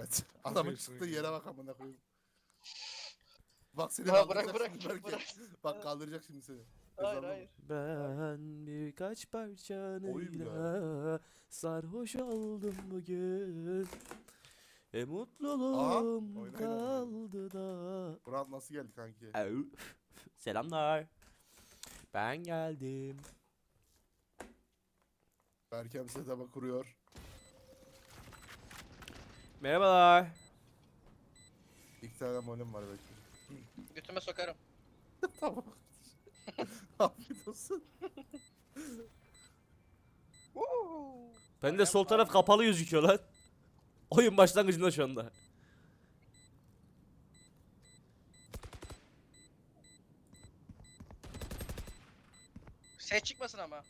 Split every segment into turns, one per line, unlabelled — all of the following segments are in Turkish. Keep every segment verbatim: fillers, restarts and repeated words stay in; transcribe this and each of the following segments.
Evet. Adamın
Okey,
çıktığı
okey.
yere bak amına koyayım. Bak seni
Ya
kaldıracak
bırak,
şimdi
bırak,
Berke.
bırak.
Bak kaldıracak şimdi seni.
Hayır,
Ezanla
hayır.
vur.
Ben birkaç
Oyun
parçanıyla sarhoş oldum bugün. E
Aha,
mutluluğum
oyna, oyna,
kaldı da.
Murat nasıl geldi kanki?
Au. Selamlar. Ben geldim.
Berke bir setup'a kuruyor.
Merhabalar.
İki tane molim var belki.
Götüme sokarım.
Tamam. Afiyet olsun.
Ben de sol taraf kapalı gözüküyor lan. Oyun başlangıcında şu anda.
Ses çıkmasın ama.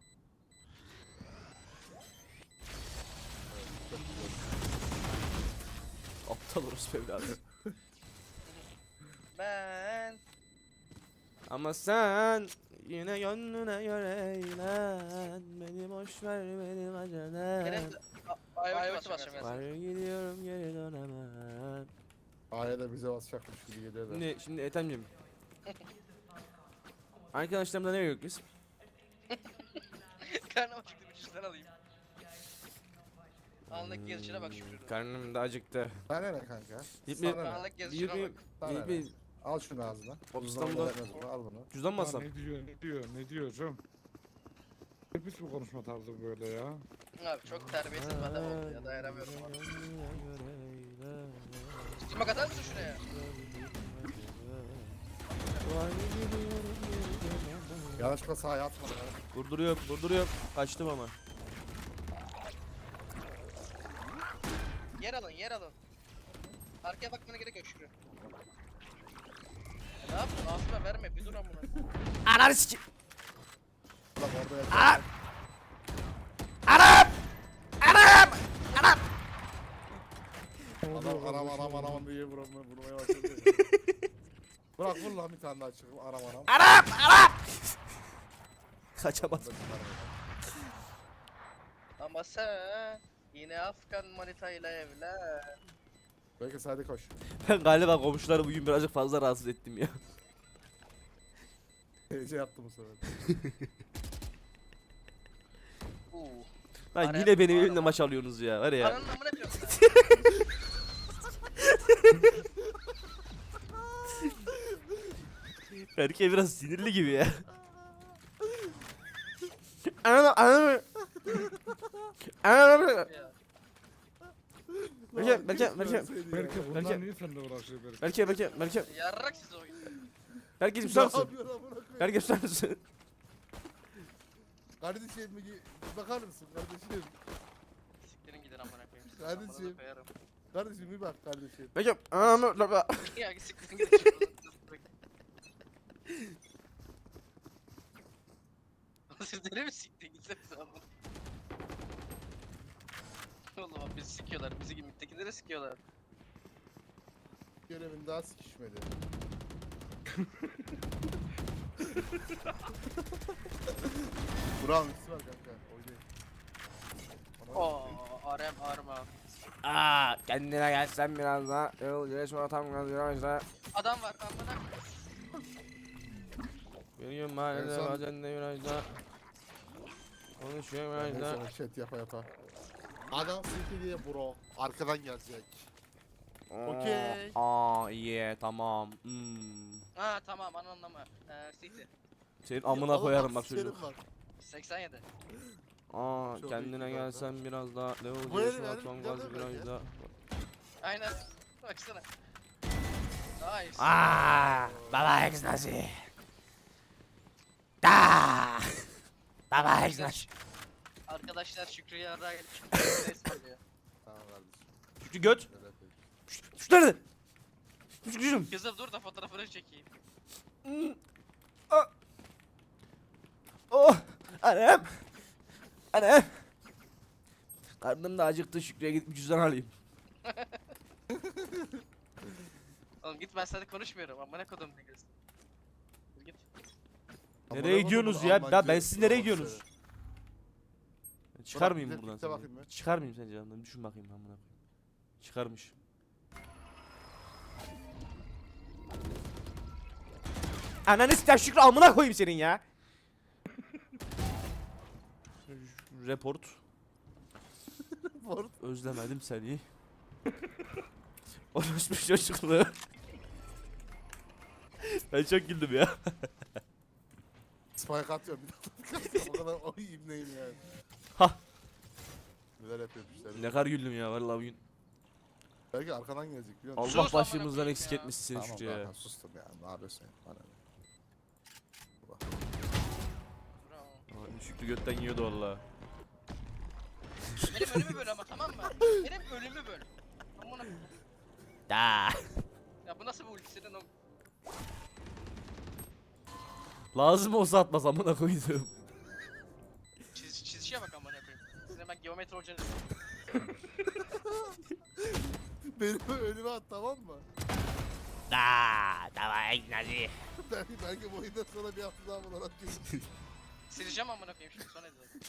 Aptal orospu evladı.
Ben
Ama sen yine gönlüne göre eğlen. Beni boş ver benim acelem.
Kerem de ayvacı basacağım
Var
ya.
gidiyorum geri dönemem.
Aya da bize basacakmış gibi geliyor da.
Şimdi şimdi Ethem'cim. Arkadaşlarımla nereye gidiyoruz?
Karnım acıktı, bir cüzdan alayım. Anlık gelişine bak Şükrü'nün.
Karnım da acıktı.
Sana ne kanka?
Git bir-
Sana ne?
Anlık gelişine
Bir,
bak.
Sana
bir,
ne?
bir,
Al şunu ağzına.
Hop,
Cüzdanı
İstanbul'da-
vermez bunu, al bunu.
cüzdan mı
Ya
alsam?
ne diyor ne diyor ne diyor canım? Ne pis bir konuşma tarzı böyle ya.
Abi çok terbiyesiz bir adam oldu ya, dayanamıyorum ona. Smoke atar mısın şuraya?
Yanlışlıkla sahaya atma ya.
Vurduruyorum, vurduruyorum. Kaçtım ama.
Yer alın, yer alın. Arkaya bakmana gerek yok Şükrü. Ya ne yapıyorsun? Ağzına verme, bir dur amına.
Ananı siki...
Bak orada yat.
Anam! Anam! Anam! Anam!
Adam aram aram aram diye vurmaya, vurmaya başladı. Bırak vur lan bir tane daha çıkıp aram aram.
Anam! Anam! Kaçamadım.
Ama sen yine Afgan manitayla evlen.
Belki hadi koş.
Ben galiba komşuları bugün birazcık fazla rahatsız ettim ya.
Hece yaptı bu sefer.
Uuu.
Lan
Araya-
yine benim
Arama.
elimle maç alıyorsunuz ya var ya.
Ananın amına diyorsun sen.
Erkeğe biraz sinirli gibi ya. Anam anam. Anam.
Ya.
Berke, Berke, Berke.
Belki bundan
Belki-
niye seninle uğraşıyor belki?
Berke, Berke, Berke.
Yarrak siz oyun.
Berke
Ne
susar mısın?
yapıyor amına koyayım?
Berke susar mısın?
Kardeşim bir bakar mısın kardeşim?
Siktirin gidin amına koyayım. Siz
Kardeşim.
amına da koyarım.
Kardeşim bir bak kardeşim.
Berke, anam.
Ya siktirin gidin. Siz deli mi siktirin gitsenize amına. Oğlum abi bizi sikiyorlar. Bizi gibi mittekileri sikiyorlar.
Görevin daha sikişmedi. Burak'ın ikisi var kanka. Oynayın. Ama-
Oo, arem arma.
Aa, kendine gelsen biraz daha. Yol yürüyüş sonra tam gaz virajda.
Adam var amına.
Yürüyorum mahallede
En son-
bazen de virajda. Konuşuyor
Ben
virajda.
sonra chat yapa yapa. Adam silki diye bro. Arkadan gelecek. Okey.
Aa iyi tamam. Hmm.
Ha tamam anlamı. Eee City.
Senin amına
Oğlum
koyarım bak
sikerim
çocuk.
bak.
seksen yedi.
Aa
Çok
kendine
iyi
gelsen biraz daha. Ne
Bu
oldu?
herif-
Şu
herif
son
güzel
gaz
değil mi
virajda.
Aynen. Baksana. Nice.
Aa, baba egzozi. Da. Baba egzozi.
Arkadaşlar Şükrü'ye yarrağa gelip Şükrü'ye ısmarlıyor.
Tamam kardeşim.
Şükrü göt.
Şöyle yapayım.
Şu nerede? Şükrücüm.
Kızım dur da fotoğrafını çekeyim.
Oh. Anam. Anam. Karnım da acıktı Şükrü'ye gidip bir cüzdan alayım.
Oğlum git ben sana konuşmuyorum ama ne kodum ne gözüm. Dur git.
Nereye
Amına
gidiyorsunuz
koydum,
ya?
Almanca
Ya ben siz nereye
Burak
gidiyorsunuz?
söyle.
Çıkar
Burak,
mıyım
bir de
buradan
pikte
sence?
bakayım ben.
Çıkar mıyım sence yanından? Düşün bakayım amına koyayım. Çıkarmış. Ananı sikeyim Şükrü amına koyayım senin ya. Report.
Report.
Özlemedim seni. Orospu çocukluğu. Ben çok güldüm ya.
Spike atıyor bir daha. O kadar o ibneyim yani.
Ha.
Neler yapıyormuş işte.
Ne kadar güldüm ya vallahi bugün.
Belki arkadan gelecek biliyor musun?
Allah
Sus amına
başımızdan
koyayım
eksik
ya.
etmişsin seni
Tamam
Şükrü ya.
zaten sustum ya. Ne yapıyorsun ya? Bana ne?
Bravo.
Aa, Şükrü götten yiyordu valla.
Benim ölümü böl ama tamam mı? Benim ölümü böl. Amına.
Da.
Ya bu nasıl bir ulti senin o?
Lazım olsa atmaz amına koydum.
Çiz, çizişe bak amına koyayım. Sizin ben geometri hocanız.
Benim önüme at tamam mı?
Da. Tamam Nazi.
Belki, belki bu oyundan sonra bir hafta daha bunu atayım.
Sileceğim amına koyayım şimdi sonra izledim.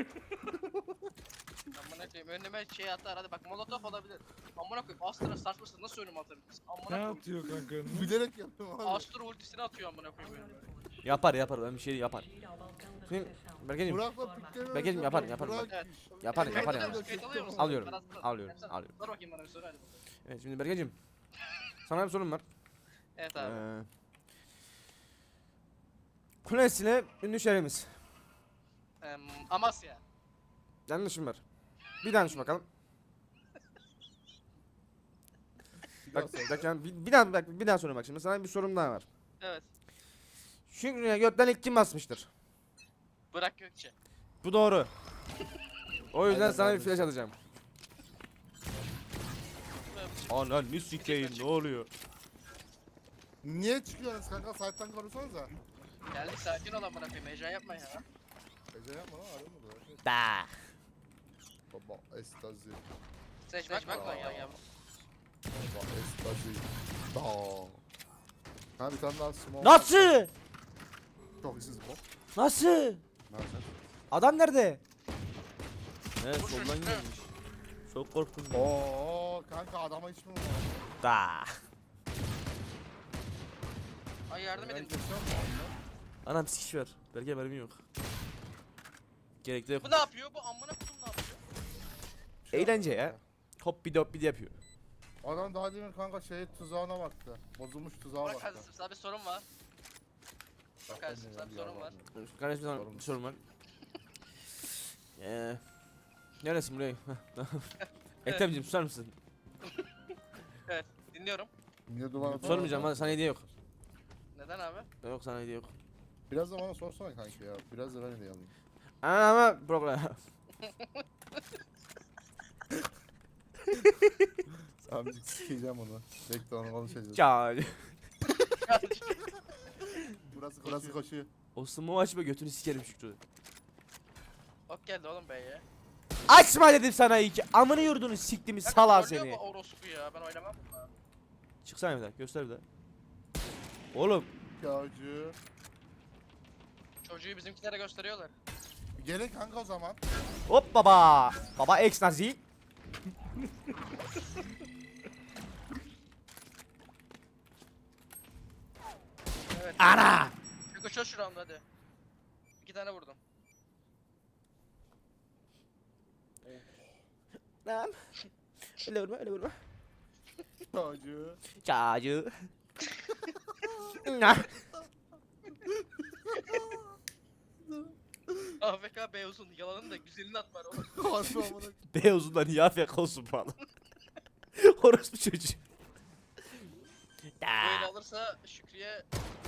Amına koyayım önüme şey atar hadi bak molotof olabilir. Amına koyayım Astra saçmasın nasıl önüme atabilirsin? Amına
Ne
koyayım.
atıyor kanka önüne?
Bilerek yapıyorum abi.
Astra ultisini atıyor amına koyayım önüme.
Yapar yapar ben bir şey yapar. Şimdi Berke'cim
Burak'la Türkleri
Berke'cim yapar yapar.
Burak-
Evet.
Yapar
Kayıt
yapar
alıyor
yani.
musun? Kayıt alıyor musun?
Alıyorum,
Ben aslında-
alıyorum,
Yapsana.
alıyorum.
Dur bakayım bana bir soru hadi.
Evet şimdi Berke'cim. Sana bir sorum var.
Evet abi.
Ee, Kulesi'ne ünlü şehrimiz.
Eee Amasya.
Yanlışım var. Bir daha düşün bakalım. Bak, bak yani bir, bir daha bak, bir daha sorayım bak şimdi sana bir sorum daha var.
Evet.
Şükrü'ye götten ilk kim basmıştır?
Bırak Gökçe.
Bu doğru. O yüzden
Aynen
sana bir
kardeşim.
flash atacağım. Ananı sikeyim ne oluyor?
Niye çıkıyorsunuz kanka? Site'tan konuşsanıza.
Geldik sakin ol amına koyayım heyecan yapma ya.
Ece yapma lan arıyor mu böyle?
Da.
Baba estazi.
Seçmek bak lan ya ya.
Baba estazi. Da. Ha bir tane daha small.
Nasıl?
Çok işsiz bu.
Nasıl?
Ne yapacağız?
Adam nerede? Ne
Dur,
soldan
dur, dur.
gelmiş. Çok korktum.
Oo kanka adama hiç mi vurmadın?
Da.
Ay yardım
Ben
edin.
kesiyor mu onu?
Anam sikiş ver. Belki haberim yok. Gerekli yok.
Bu ne yapıyor? Bu amına kodum ne yapıyor?
Bir şey
Eğlence
yapmadı
ya. Hop bir de hop bir de yapıyor.
Adam daha demin kanka şey tuzağına baktı. Bozulmuş tuzağa
Bak
baktı.
kardeşim sana bir sorun var. Bak kardeşim sana bir sorun var.
Kardeşim sana
Sorun.
bir sorun var. Eee. Neresin buraya? Ekrem'cim susar mısın?
Evet dinliyorum.
Niye duvara
Sormayacağım bana sana hediye yok.
Neden abi?
Yok sana hediye yok.
Biraz da bana sorsana kanka ya. Biraz da ben hediye alayım.
Ama problem.
Amcık sikeceğim onu. Bekle onu konuşacağız.
Ya.
Burası burası koşuyor.
O smoke açma götünü sikerim Şükrü.
Ok geldi oğlum be ya.
Açma dedim sana iyi ki. Amını yurdunu siktimi sala
Trollüyor
seni.
bu orospu ya ben oynamam bununla.
Çıksana bir daha göster bir daha. Oğlum.
Yağcı.
Çocuğu bizimkilere gösteriyorlar.
Gelin kanka o zaman.
Hop baba. Baba ex nazi.
Evet.
Ana.
Çünkü çöz şu anda hadi. İki tane vurdum.
Lan. Öyle vurma öyle vurma.
Yağcı.
Çağcı. Nah.
A F K B uzun yalanın da güzelini at var oğlum.
Harbi amına.
Beyazından iyi afiyet olsun falan. Orospu çocuğu.
Böyle alırsa Şükrü'ye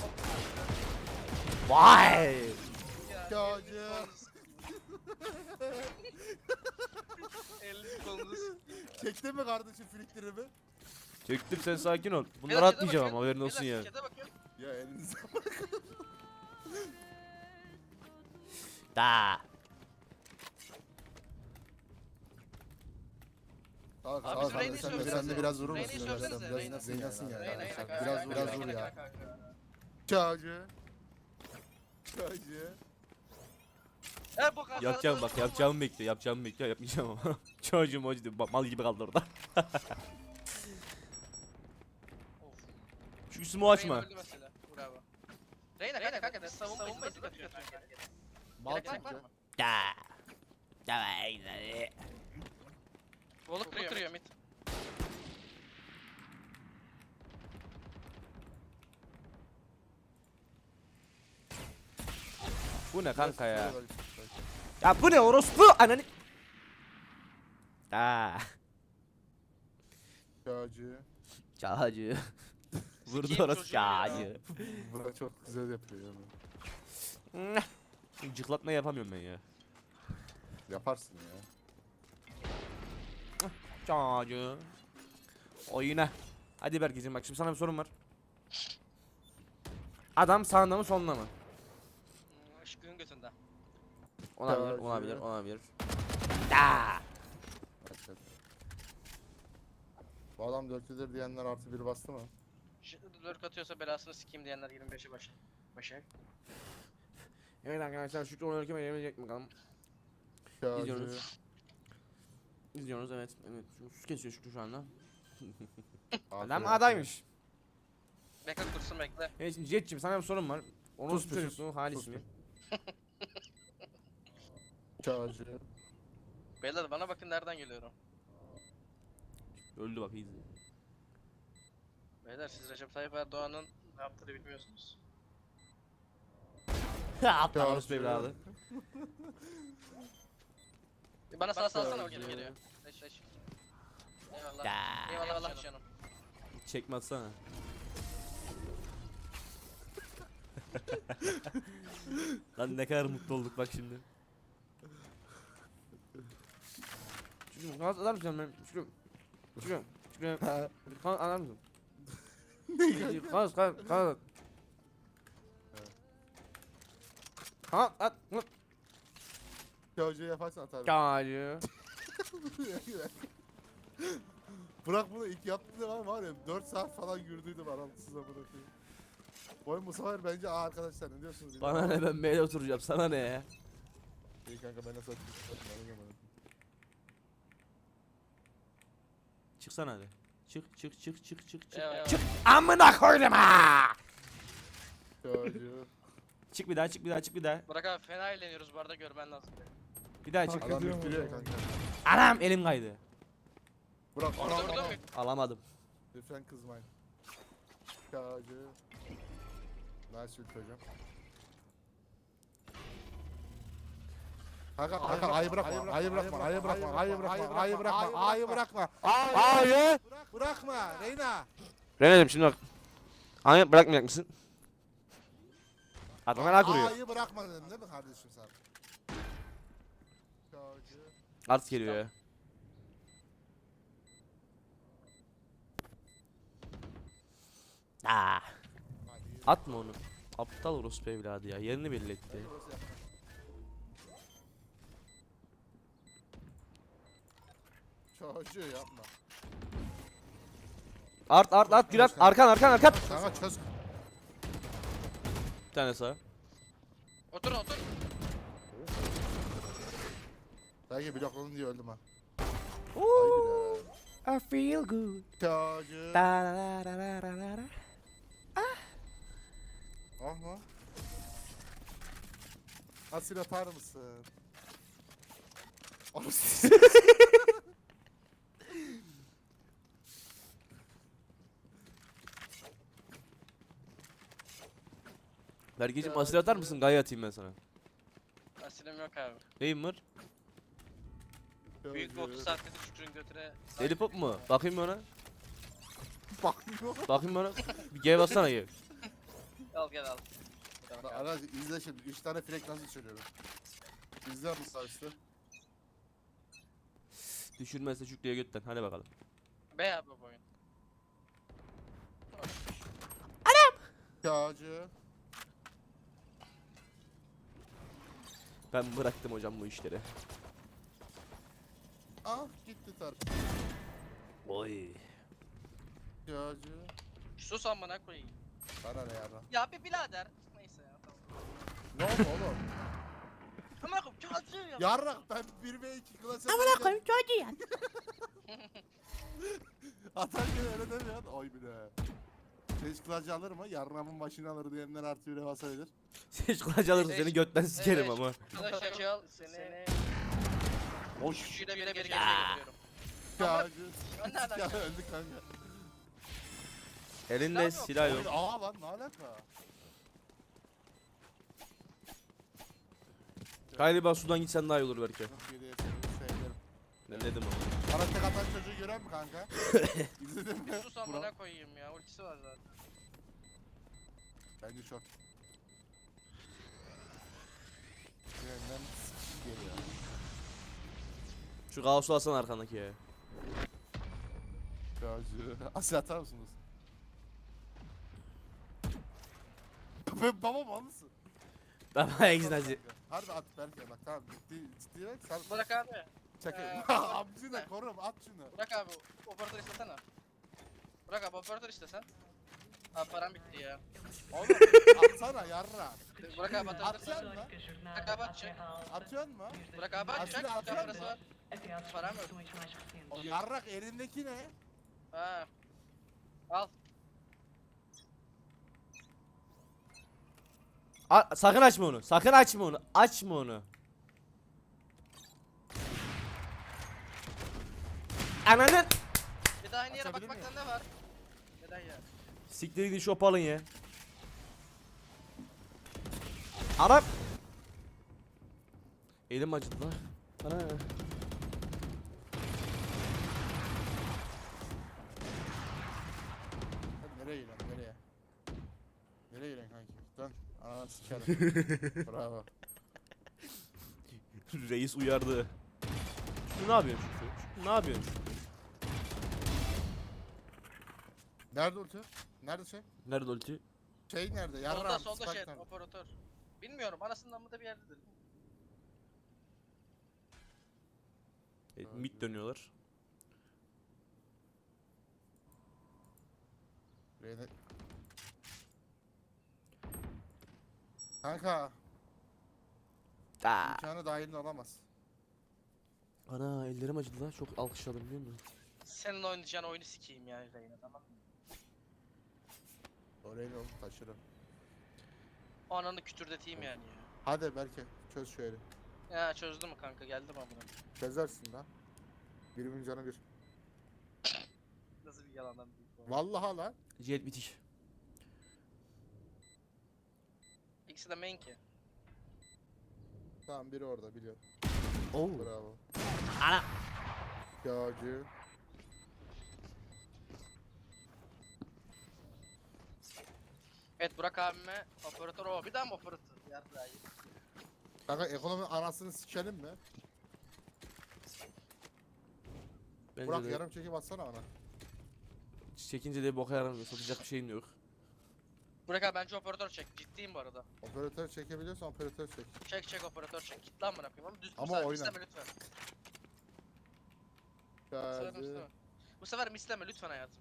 Vay.
Yağcı.
elini kolunuz.
Çektin mi kardeşim filiklerimi?
Çektim sen sakin ol. Bunları
Beyler,
atmayacağım
chat'e
ama haberin
bakın.
olsun
Beyler,
ya.
chat'e bakın.
Ya elinize
Da.
Al
Abi
al
bizim Reyne'yi
sen de sen
sövsenize.
de biraz vurur
Reyne'yi
musun?
sövsenize,
Biraz
Reyne'yi.
zeynasın ya.
Reyna, Reyna,
Biraz
Reyna,
biraz
Reyna,
vur
Reyna,
ya.
Reyna, Reyna.
Yağcı. Yağcı.
E bu kadar.
Yapacağım bak yapacağımı bekliyor yapacağımı bekliyor yapmayacağım ama. Çocuğum o diyor mal gibi kaldı orada. Şu üstümü açma.
Reyna öldü mesela. Bravo. Reyna kanka kanka savunma savunma izin atıyorsun.
Mal
Gerek var
çünkü.
mı?
Da. Davay.
Voluk kırıyor mid.
Bu ne kanka ya?
Böyle-
Ya bu ne orospu ananı. Da.
Çağcı.
Çağcı. Vurdu
Sikeyim
orası
çocuğu ya.
çağcı.
Burak çok güzel yapıyor yani.
Cıklatma yapamıyorum ben ya.
Yaparsın ya.
Çağcı. Oyuna. Hadi Berkeciğim bak şimdi sana bir sorum var. Adam sağında mı solunda mı?
Işıkın götünde.
Olabilir,
Çağcı.
olabilir, olabilir. Da.
Evet. Bu adam dörtlüdür diyenler artı bir bastı mı?
Lurk atıyorsa belasını sikeyim diyenler yirmi beşe başı. Başı.
Evet arkadaşlar Şükrü oynarken beğenmeyecek mi bakalım?
Çağcı.
İzliyoruz. İzliyoruz evet. Evet. Sus kesiyor Şükrü şu anda. Adam
Aferin.
Bekle
adaymış.
kursun bekle.
Evet şimdi Jet'cim sana bir sorum var. Onu
Sus
sus
bir sus,
çocukluğu Halis
sus
mi?
Çağcı.
Beyler bana bakın nereden geliyorum.
Öldü bak iyi.
Beyler siz Recep Tayyip Erdoğan'ın ne yaptığını bilmiyorsunuz.
Aptal
Çağcı.
orospu evladı.
Bana sağ salsana o
Çağcı.
geliyor geliyor. Leş leş. Eyvallah.
Da.
Eyvallah canım.
Çekme atsana. Lan ne kadar mutlu olduk bak şimdi. Şükrü kanat atar mısın ben? Şükrü. Şükrü. Şükrü. Kanat atar mısın? Kanat kanat kanat. Kanat at. Kanat.
Çağcı yaparsan atarım.
Çağcı.
Burak bunu ilk yaptığında var var ya dört saat falan yürüdüydüm aralıksız amına koyayım. Bu oyun bu sefer bence aa arkadaşlar ne diyorsunuz?
Bana ne ben B'de oturacağım sana ne ya?
İyi kanka ben nasıl atayım?
Çıksana hadi. Çık çık çık çık çık çık.
Eyvallah.
Çık amına koydum ha.
Çağcı.
Çık bir daha çık bir daha çık bir daha.
Burak abi fena eğleniyoruz bu arada görmen lazım.
Bir daha çık.
Hak
Adam
ediyor mu
yüklüyor
o
kanka.
Anam elim kaydı.
Burak
Orada
Burak
orada mı?
Alamadım.
Lütfen kızmayın. Çağcı. Nice ult hocam. Kanka kanka ayı bırakma, ayı bırakma, ayı bırakma, ayı bırakma, ayı bırakma, ayı bırakma.
Hayır.
Bırakma Reyna.
Renacığım şimdi bak. Hayır bırakmayacak mısın? Adam merak kuruyor.
Ayı bırakma dedim değil mi kardeşim sen? Çağcı.
Art geliyor ya. Aa.
Hadi.
Atma onu. Aptal orospu evladı ya. Yerini belli etti.
Çağcı yapma.
Art art art Gülen. Arkan arkan arkan.
Kanka çöz.
Bir tane sağ.
Otur otur.
Belki blokladın diye öldüm ha.
Ooh,
Ay
I feel good.
Çağcı.
Da da da da da da da.
Aha. Asil atar mısın? Asil.
Bergeciğim asil atar mısın? Gaye atayım ben sana.
Asilim yok abi.
Neyim var?
Büyük bir otuz saatte de Şükrü'nün götüne...
Deli pop mu? Bakayım ona.
Bakmıyor.
Bakayım bana. Bir G bassana G.
Al gel al.
Bak arkadaşlar izle şimdi. üç tane frek nasıl söylüyorum. İzle bu sarısı.
Düşürmezse Şükrü'ye götten. Hadi bakalım.
Be abi bu oyun.
Çağcı.
Ben bıraktım hocam bu işleri.
Ah gitti tar.
Oy.
Çağcı.
Sus amına koyayım.
Bana ne yarra.
Ya bir birader. Neyse ya tamam.
Ne oldu oğlum?
Amına koyayım çok acıyor ya.
Yarrak ben bir ve iki klasa.
Amına koyayım çocuğu ya.
Atarken öyle demiyor. Oy bile. Seç kılacı alır mı? Yarrağımın başını alır diyenler artı bire basabilir.
Seç kulaç alırsın seni götten sikerim
Evet.
ama.
Arkadaşlar çal seni.
Hoş.
Üçüyle bire bire geri getiriyorum.
Ya,
Ben nereden
ya
geldim?
öldük kanka.
Elinde
Silah
silah yok.
Aa lan ne alaka?
Galiba sudan gitsen daha iyi olur belki.
Çok iyi diye sevdim.
Ne dedim ama.
Bana tek atan çocuğu gören mi kanka? İzledin mi?
Bir sus amına koyayım ya. Ultisi var zaten.
Bence çok. Birinden sıkış geliyor.
Şu kaosu alsana arkandaki ya.
Çocuğu. Asya atar mısınız? Ben babam anlısın.
Baba egznacı.
Harbi at belki bak tamam ciddi ciddi bak sen
Bırak abi.
çek.
Ee,
Amcı da korum at şunu.
Bırak abi. Operatör istesene. Bırak abi operatör istesen. Abi param bitti ya.
Oğlum atsana yarra.
Bırak abi atabilirsin.
Atacaksın mı?
Bırak abi atacak.
Atıyorsun mu?
Bırak abi atacak.
Aslında
Bir tane parası var. Param yok.
O yarrak elindeki ne?
Ha. Al.
A sakın açma onu. Sakın açma onu. Açma onu. Ananın.
Bir daha aynı yere
Atabilir
bakmaktan ne var? Neden ya?
Siktir gidin şop alın ya. Arap. Elim acıdı lan. Ana.
Hadi nereye gidiyorsun nereye? Nereye gidiyorsun kanki? Dön. Ananı sikerim. Bravo.
Reis uyardı. Şu ne yapıyorsun şu? Şu ne yapıyorsun şu?
Nerede ulti? Nerede şey?
Nerede ulti?
Şey nerede?
Solda
Yarram.
solda
Spike
şey
nerede?
operatör. Bilmiyorum anasından mı da bir yerdedir.
E, mid dönüyorlar.
Reyne... Kanka
Aa.
imkanı dahilinde olamaz.
Ana ellerim acıdı lan. Çok alkışladım biliyor musun?
Senin oynayacağın oyunu sikeyim ya Reyna tamam mı?
Orayı oğlum taşırım.
O ananı kütürdeteyim yani ya.
Hadi belki çöz şöyle.
Ya çözdü mü kanka geldim amına.
Çözersin lan. Birimin canı bir.
Nasıl bir yalandan bir bu?
Vallahi lan.
Jet bitiş.
İkisi de main ki.
Tamam biri orada biliyorum.
Oo.
Bravo.
Ana.
Yağcı.
Evet Burak abime operatör o. Bir daha mı operatör? Yarrağı.
Kanka ekonomi anasını sikelim mi?
Bence
Burak
de
yarım çekip atsana bana.
çekince de boka yaramıyor. Satacak bir şeyin yok.
Burak abi bence operatör çek. Ciddiyim bu arada.
Operatör çekebiliyorsan operatör çek.
Çek çek operatör çek. Git lan bırakayım ama düz
Ama
bu sefer
oyna.
misleme lütfen. Bu sefer
Yağcı.
misleme. Bu sefer misleme lütfen hayatım.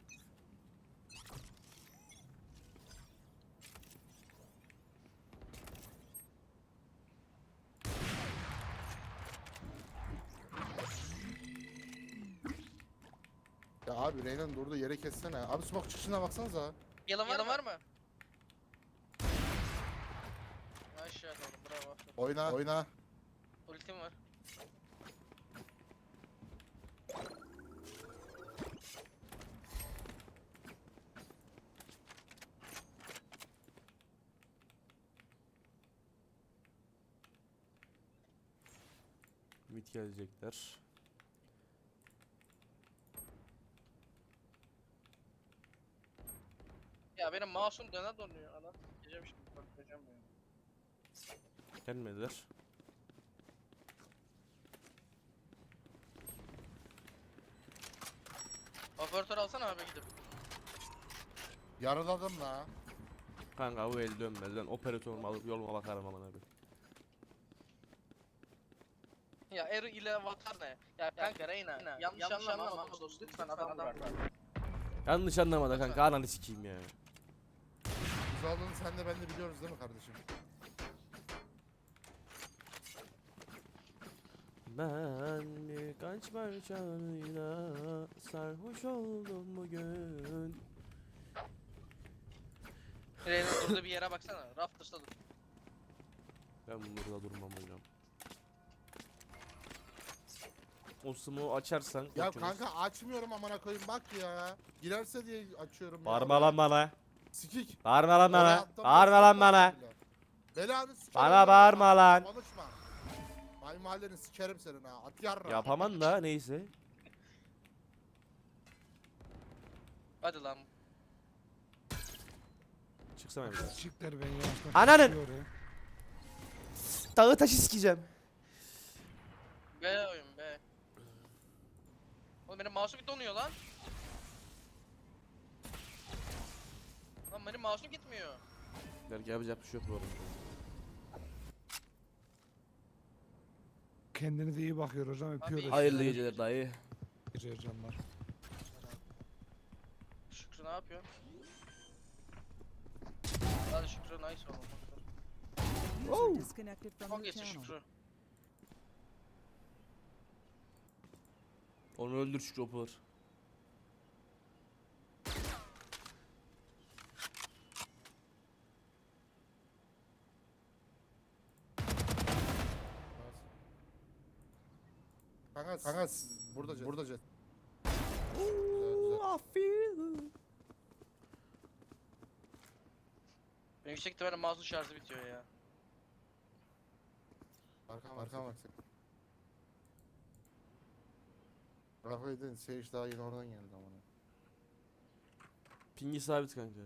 Ya abi Reyna'nın durduğu yere kessene. Abi smoke çıkışına baksanıza.
Yalın var, var mı? Aşağıda oğlum bravo.
Oyna. Oyna.
Ultim var.
Mid gelecekler.
Ya benim mouse'um döne donuyor. Ana gideceğim şimdi bakacağım ya.
Gelmediler.
Operatör alsana abi gidip.
Yaraladım la.
Kanka bu el dönmez lan. Operatörümü alıp yoluma bakarım aman abi.
Ya Ero ile Avatar ne? Ya kanka Reyna. Yanlış, yanlış anlama ama dostum lütfen adam bırak.
Yanlış anlama da kanka ananı sikeyim ya.
Biz olduğunu sen de ben de biliyoruz değil mi kardeşim?
Ben birkaç parçayla sarhoş oldum bugün.
Reyna durduğu bir yere baksana. Rafters'ta dur.
Ben burada durmam hocam. O smoke'u açarsan
Ya
kaçırırız.
kanka açmıyorum amına koyayım bak ya. Girerse diye açıyorum ya.
Bağırma lan bana.
Sikik.
Bağırma lan
Oraya
bana.
attım,
Bağırma
bastım,
lan bana.
bastım bile. Belanı sikerim.
Bana
ya.
bağırma lan.
Konuşma. Ay mahalleni sikerim senin ha. At yarra.
Yapaman da neyse.
Hadi lan.
Çıksana bir daha.
Siktir beni yaşta.
Ananın!
tutuyor ya.
Dağı taşı sikeceğim.
Be oyun be. Oğlum benim mouse'um donuyor lan. Lan benim mouse'um gitmiyor.
Belki yapacak bir şey yok bu arada.
Kendinize iyi bakıyor hocam. Öpüyoruz.
iyi
Hayırlı
Hayırlı
geceler dayı.
Geceler canlar.
Şükrü ne yapıyor? Hadi Şükrü nice oğlum.
User disconnected from
Çok
your
geçti
channel.
Şükrü.
Onu öldür şu chopper.
Kanka kanka burada jet. Burada jet. Güzel, güzel.
Benim yüksek ihtimalle mouse'un şarjı bitiyor ya.
Arkam arkam bak sen. Rafa'yı dedin Sage daha yeni oradan geldi amına.
Pingi sabit kanka.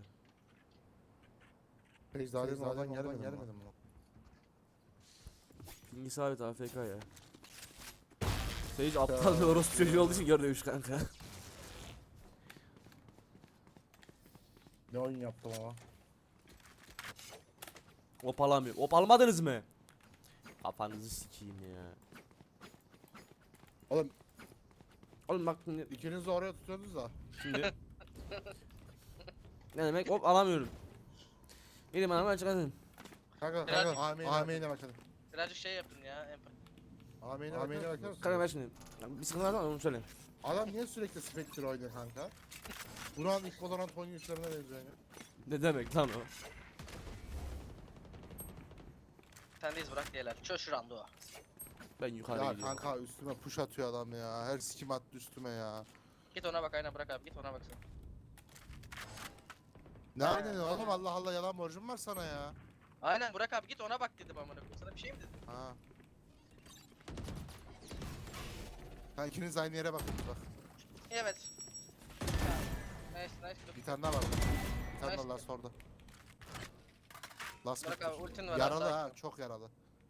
Sage daha yeni oradan gelmedi gelmedi mi?
Pingi sabit A F K ya. Sage aptal bir orospu çocuğu olduğu için görmemiş kanka.
Ne oyun yaptım ama.
Opalamıyor. Opalamadınız mı? Kafanızı sikeyim ya.
Oğlum
Oğlum bak şimdi,
ikiniz de oraya tutuyordunuz da.
şimdi. Ne demek? Hop alamıyorum. Benim anamı çıkartın.
Kanka
Biraz-
kanka Ameyne bakalım.
Birazcık şey yapın ya. Empati.
Ameyne bakalım.
Kanka ver şimdi. Bir sıkıntı var mı onu söyle.
Adam niye sürekli Spectre oynuyor kanka? Buran ilk Valorant oynayışlarına benziyor ya.
Ne demek lan o?
Sendeyiz bırak diyeler. Çöz şurandı o.
Ben yukarı
Ya
gidiyorum.
kanka üstüme push atıyor adam ya. Her sikim attı üstüme ya.
Git ona bak aynen bırak abi git ona bak sen.
Ne aynen oğlum Allah Allah yalan borcum var sana ya.
Aynen bırak abi git ona bak dedim amına koyayım. Sana bir şey mi dedim?
Ha. Ha ikiniz aynı yere bakın bak.
Evet. Nice nice.
Bir tane daha var. Bir tane daha last orada. Last
Bırak
mid.
abi ultin var.
Yaralı
abi,
ha
sakin ol.
çok yaralı.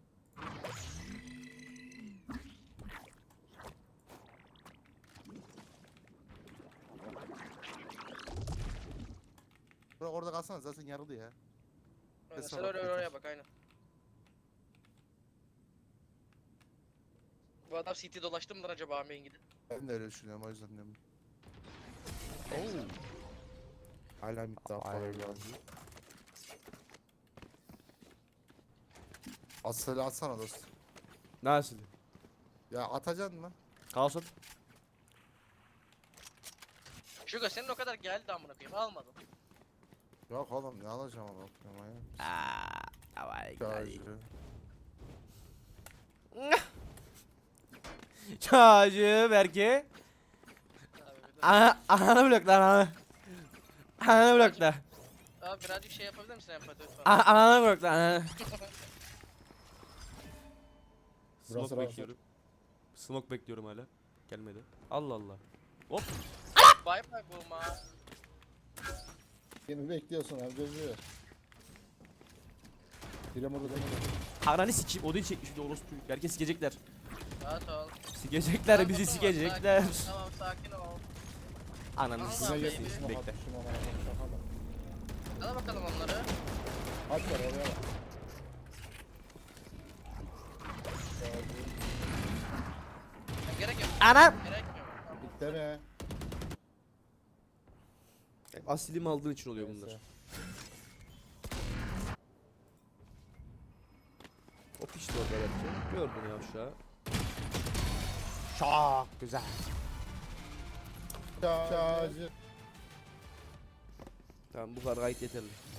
Bırak orada kalsana zaten yaralı ya.
Aynen,
Ses
Sen
var,
oraya
yeter.
oraya bak aynen. Bu adam C T dolaştı mıdır acaba Ameyin gidip?
Ben de öyle düşünüyorum o yüzden diyorum. Hala mid daha fazla geldi. Aslı atsana dost.
Nasıl?
Ya atacaksın mı?
Kalsın.
Şuga senin o kadar geldi amına koyayım almadın.
Yok oğlum ne alacağım ama bakıyorum ya.
Aaa. Vay
Şarjı.
Çocuğu belki.
Abi, bir de-
Ana, ananı blok lan ananı. Ananı blok lan.
Abi birazcık şey yapabilir misin empati lütfen?
A- Ananı blok lan ananı.
Burası
Smoke
rahat.
bekliyorum. Smoke bekliyorum hala. Gelmedi. Allah Allah. Hop.
Bye bye bulma.
Yeni bekliyorsun abi gözü. Direm orada
Ananı sikeyim. O değil çekmiş bir de orospu. Herkes sikecekler.
Rahat ol.
Sikecekler
Tamam,
bizi
tamam,
sikecekler.
sakin ol, Tamam sakin ol.
Ananı
Tamam,
sikeyim.
baby.
Bekle.
Hadi bakalım onları.
Aç var oraya bak.
Ya, gerek yok.
Anam.
Gerek yok. Tamam.
Deme.
Asilimi aldığın için oluyor bunlar.
Neyse.
O pişti orada belki. Gördün ya aşağı. Çok güzel.
Şarjı.
Tamam bu kadar gayet yeterli.